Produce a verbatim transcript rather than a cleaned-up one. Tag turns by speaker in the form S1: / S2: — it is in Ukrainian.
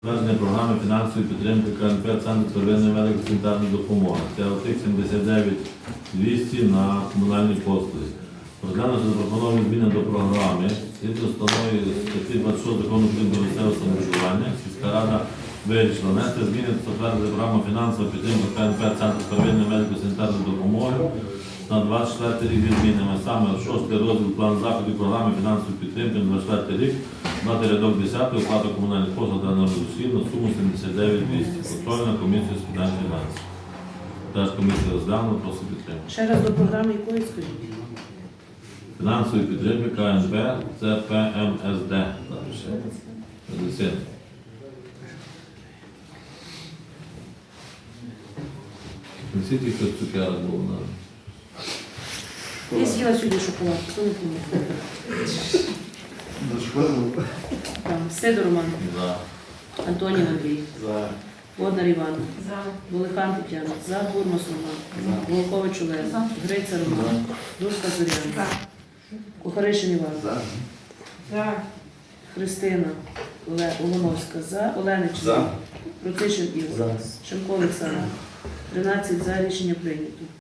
S1: Затвердження програми фінансової підтримки КНП «Центр первинної медико-санітарної допомоги». Це отих сімдесят дев'ять двісті на комунальні послуги. Розглянувши запропоновані зміни до програми, згідно з постановою статті двадцять шість Закону України про місцеве самоврядування, сільська рада вирішила внести зміни до затвердження програми фінансової підтримки КНП «Центр первинної медико-санітарної допомоги» на двадцять четвертий рік зі змінами. Саме шостий розділ план заходів програми фінансової підтримки на двадцять четвертий рік, дати рядок десятий, оплата комунальних послуг та енергоносіїв на суму сімдесят дев'ять двісті. Контрольна комісія з питань фінансів. Теж комісія розглянула, просить підтримки.
S2: Ще раз до програми якої скажіть?
S1: Фінансової підтримки КНП це П М С Д. Медицина. Несіть їх хтось цукерок був на.
S2: Я з'їла сьогодні шоколад, хто не помнив? Там, Сидор Роман,
S1: За.
S2: Антонів Андрій,
S3: За.
S2: Воднар Іван,
S4: За.
S2: Волихан Тетяна, За, Бурмас Роман, Волкович Олег, Гриця Роман, Дурська Зоряна, Кухаришин Іван,
S3: За.
S4: За.
S2: Христина Оле- Олоновська, За, Оленич,
S3: За.
S2: Процишин Ігор,
S3: За.
S2: Шемко Олександр. тринадцять за, рішення прийнято.